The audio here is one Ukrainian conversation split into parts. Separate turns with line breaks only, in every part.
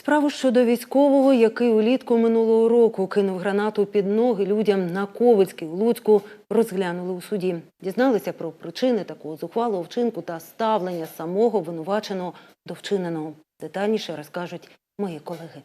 Справу щодо військового, який улітку минулого року кинув гранату під ноги людям на Ковицькій у Луцьку, розглянули у суді. Дізналися про причини такого зухвалого вчинку та ставлення самого обвинуваченого до вчиненого. Детальніше розкажуть мої колеги.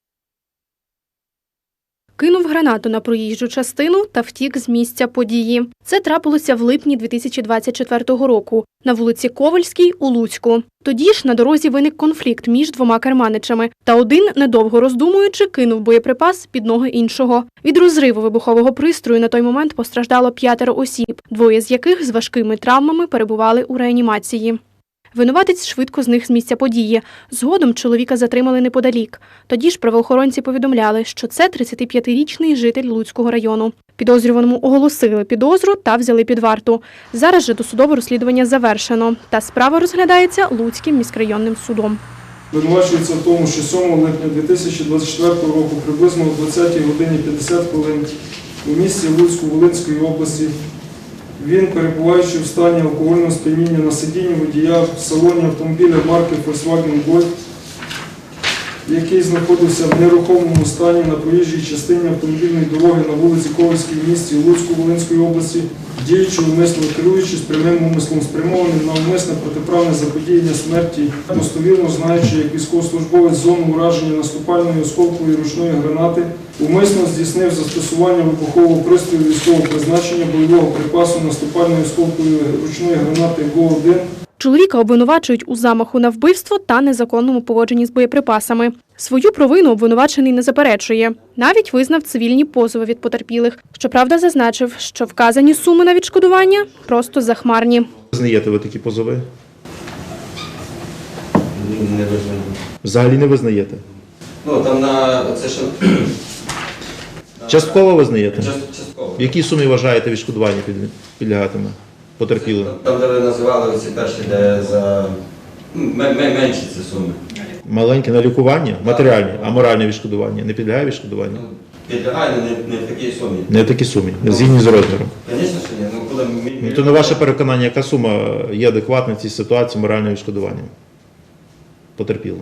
Кинув гранату на проїжджу частину та втік з місця події. Це трапилося в липні 2024 року на вулиці Ковальській у Луцьку. Тоді ж на дорозі виник конфлікт між двома керманичами, та один, недовго роздумуючи, кинув боєприпас під ноги іншого. Від розриву вибухового пристрою на той момент постраждало 5 осіб, 2 з яких з важкими травмами перебували у реанімації. Винуватець швидко зник з місця події. Згодом чоловіка затримали неподалік. Тоді ж правоохоронці повідомляли, що це 35-річний житель Луцького району. Підозрюваному оголосили підозру та взяли під варту. Зараз же досудове розслідування завершено, та справа розглядається Луцьким міськрайонним судом.
Винувачується в тому, що 7 липня 2024 року приблизно о 20:50 у місті Луцьку Волинської області він, перебуваючи в стані алкогольного сп'яніння на сидінні водія в салоні автомобіля марки Volkswagen Golf, який знаходився в нерухомому стані на проїжджій частині автомобільної дороги на вулиці Ковальській в місті Луцьку Волинської області, діючи умисно, керуючись прямим умислом, спрямованим на умисне протиправне заподіяння смерті, достовірно знаючи, як військовослужбовець зону ураження наступальної осколкової ручної гранати, умисно здійснив застосування вибухового пристрою військового призначення бойового припасу наступальної осколкової ручної гранати ГО-1.
Чоловіка обвинувачують у замаху на вбивство та незаконному поводженні з боєприпасами. Свою провину обвинувачений не заперечує. Навіть визнав цивільні позови від потерпілих. Щоправда, зазначив, що вказані суми на відшкодування просто захмарні.
Визнаєте ви такі позови?
Не визнаю.
Взагалі не визнаєте?
Ну, там на це що...
Частково визнаєте?
Частково.
В якій сумі вважаєте відшкодування підлягатиме потерпілим?
Там, де ви називали оці перші, де за менші ці суми.
Маленьке на лікування, матеріальне, а моральне відшкодування не підлягає відшкодуванню?
Ну, підлягає, але не в такій сумі.
Не в такій сумі, згідні з розміром.
Звісно, що ні. Ну, коли
То на ваше переконання, яка сума є адекватна в цій ситуації морального відшкодування потерпілим?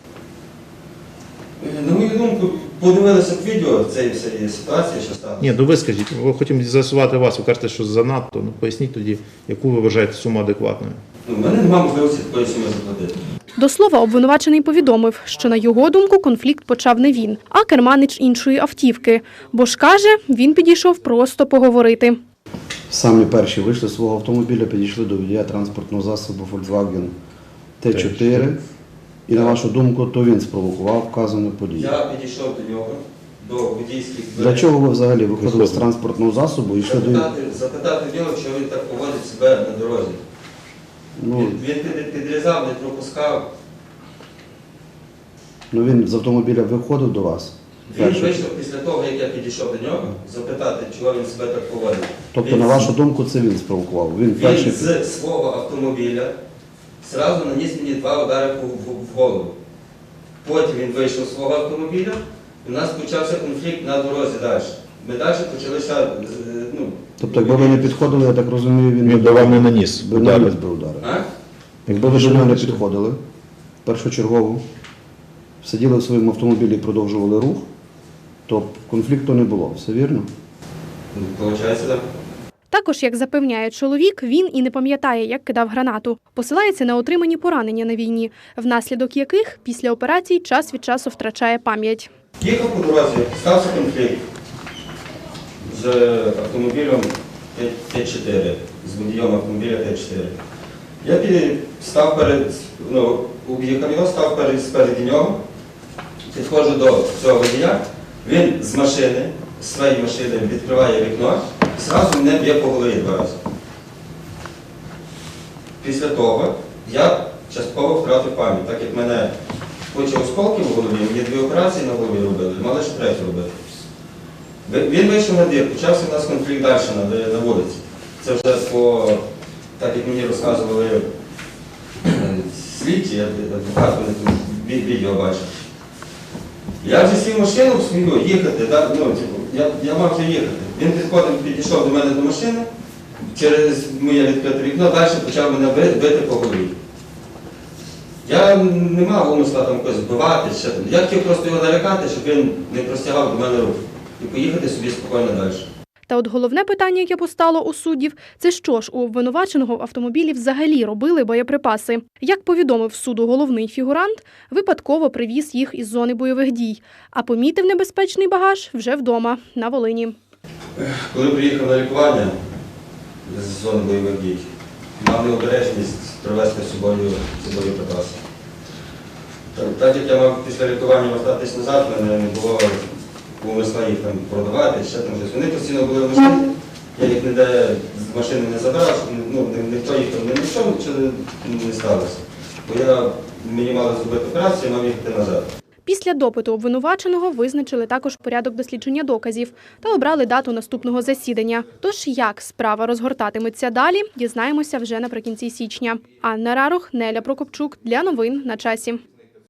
На мою думку, подивилися б відео цієї ситуації, що сталося.
Ні, ну ви скажіть, ми хочемо з'ясувати вас, ви кажете, що занадто, ну поясніть тоді, яку ви вважаєте суму адекватною.
Ну, в мене немає можливості такої суми заплатити.
До слова, обвинувачений повідомив, що на його думку конфлікт почав не він, а керманич іншої автівки. Бо ж каже, він підійшов просто поговорити.
Самі перші вийшли з свого автомобіля, підійшли до водія транспортного засобу Volkswagen T4. І на вашу думку, то він спровокував вказану подію.
Я підійшов до нього, до водійських дверей.
Для чого ви взагалі виходили з транспортного засобу і йшли до нього?
Запитати в нього, чого він так поводить себе на дорозі.
Ну,
Він підрізав, не пропускав.
він з автомобіля виходив до вас?
Він вийшов після того, як я підійшов до нього, запитати, чого він себе так поводить.
Тобто, на вашу думку, це він спровокував? Він
з свого автомобіля зразу наніс мені 2 удари в голову. Потім він вийшов з свого автомобіля, і у нас почався конфлікт на дорозі далі. Ми далі почалися...
Тобто, якби ви не підходили, я так розумію, він
Він до вам не наніс удари.
удари.
А?
Якби ви до нього не підходили, першочергово, сиділи в своєму автомобілі і продовжували рух, то конфлікту не було. Все вірно?
Получається, так.
Також, як запевняє чоловік, він і не пам'ятає, як кидав гранату. Посилається на отримані поранення на війні, внаслідок яких після операцій час від часу втрачає пам'ять.
Їхав по дорозі, стався конфлікт з автомобілем Т4, з водієм автомобіля Т4. Я став об'їхав його, став спереді нього, підходжу до цього водія, він з машини, з своєї машини відкриває вікно і одразу мене б'є по голові 2 рази. Після того я частково втратив пам'ять, так як мене куча осколків в голові, мені 2 операції на голові робили, мали ще 3 робити. Він вийшов на двір, почався у нас конфлікт далі на вулиці. Це вже так як мені розказували слідчі, адвокат, вони там відео бачив. Я вже сів в машину свою їхати, я мав вже їхати. Він підійшов до мене до машини, через моє відкрите вікно, далі почав мене бити по голові. Я не мав умисла там когось вбивати, я хотів просто його налякати, щоб він не простягав до мене рук і поїхати собі спокійно далі.
Та от головне питання, яке постало у суддів, це що ж у обвинуваченого в автомобілі взагалі робили боєприпаси. Як повідомив суду головний фігурант, випадково привіз їх із зони бойових дій, а помітив небезпечний багаж вже вдома, на Волині.
Коли приїхав на лікування з зони бойових дій, мав необережність привезти з собою боєприпаси. Так як я мав після лікування вертатись назад, в мене не було умисла їх там продавати, ще там щось. Вони постійно були в машині, я їх ніде з машини не забрав, ніхто їх там не знайшов, нічого не сталося. Бо мені мали зробити операцію, мав їхати назад.
Після допиту обвинуваченого визначили також порядок дослідження доказів та обрали дату наступного засідання. Тож як справа розгортатиметься далі, дізнаємося вже наприкінці січня. Анна Рарох, Неля Прокопчук. Для новин на часі.